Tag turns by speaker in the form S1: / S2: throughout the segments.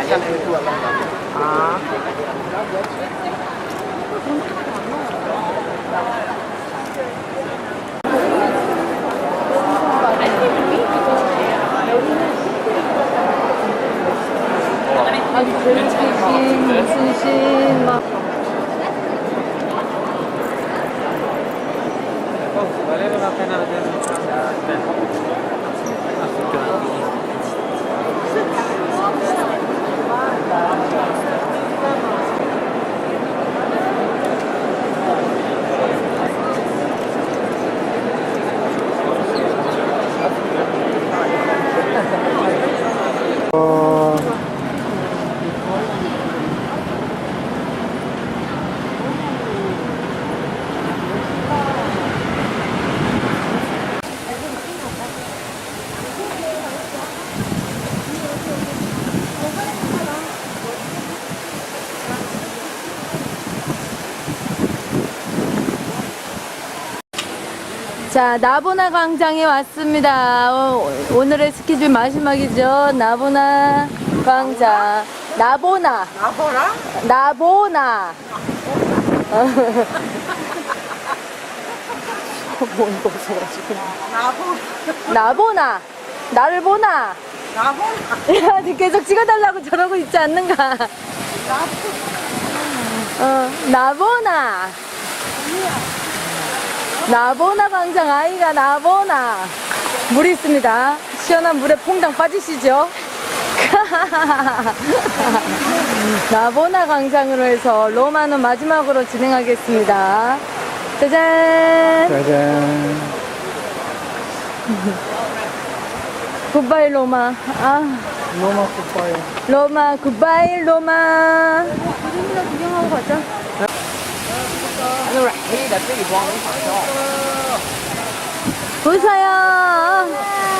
S1: 아.
S2: 아주 벨리신 무슨 신 막.
S3: Valeva la pena vedere
S2: 자, 나보나 광장에 왔습니다. 오늘의 스케줄 마지막이죠. 나보나 광장. 나보나.
S1: 나보라?
S2: 나보나. 뭐 이거 없어가지고. 나보나. 나를 보나.
S1: 나보라?
S2: 야, 계속 찍어달라고 저러고 있지 않는가? 나보나. 나보나 광장 아이가 나보나. 물이 있습니다. 시원한 물에 퐁당 빠지시죠? 나보나 광장으로 해서 로마는 마지막으로 진행하겠습니다. 짜잔.
S3: 짜잔.
S2: 굿바이 로마. 아,
S3: 로마 굿바이.
S2: 로마 굿바이 로마. 그림이나 구경하고 가자. 보세요.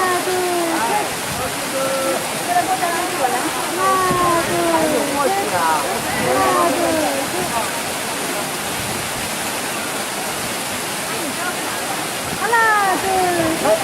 S2: 하나, 둘, 셋.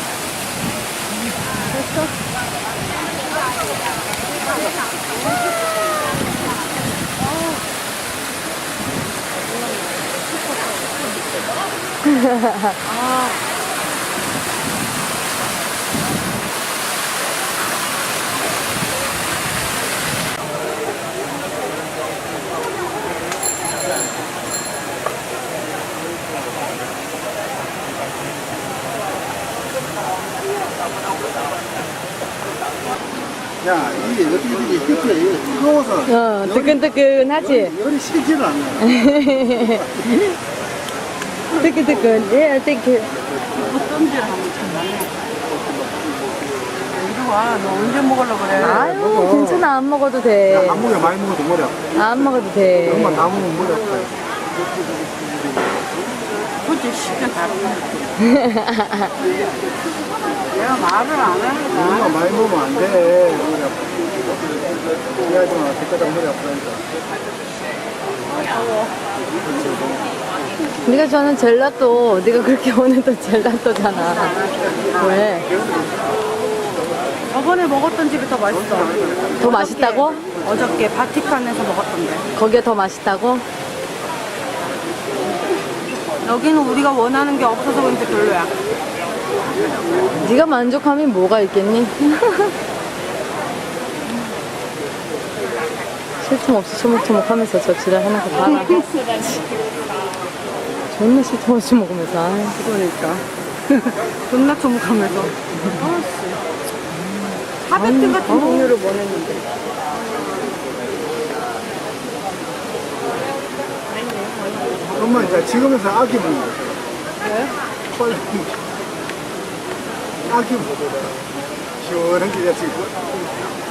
S4: 야, 이게 어떻게 되지? 끝에 뜨거워서.
S2: 뜨끈뜨끈하지?
S4: 열이 식지를 않네.
S2: 뜨끈뜨끈. 예, 뜨끈.
S1: 어떤지를 한번 찾아내. 이리 와, 너 언제 먹으려고 그래?
S2: 아유, 괜찮아. 안 먹어도 돼.
S4: 안 먹어, 많이 먹어도 머리 아파.
S2: 안 먹어도 돼.
S4: 엄마 다 먹으면 머리 아파.
S1: 솔직히 시켜 다르다. 내가 말을 안 하니까.
S4: 엄마 많이 먹으면 안 돼. 머리 아파. 이해하지 마. 그때까지 머리 아프다니까.
S2: 네가 저는 젤라또. 네가 그렇게 오늘도 젤라또잖아. 왜?
S1: 저번에 먹었던 집이 더 맛있어.
S2: 더 맛있다고?
S1: 어저께 바티칸에서 먹었던데.
S2: 거기에 더 맛있다고?
S1: 여기는 우리가 원하는 게 없어서 그런지 별로야.
S2: 네가 만족함이 뭐가 있겠니? 쉴 틈 없이 초목초목하면서 저 지랄하는 거 봐라. 존나 쉴 틈 없이 먹으면서. 아이.
S1: 그러니까. 존나 초목하면서. 아씨. 하베트 같은 종류를 원했는데.
S4: 엄마 이제 지금에서 아기 먹는 거.
S1: 왜?
S4: 아기 먹어라. 시원한 게 지금.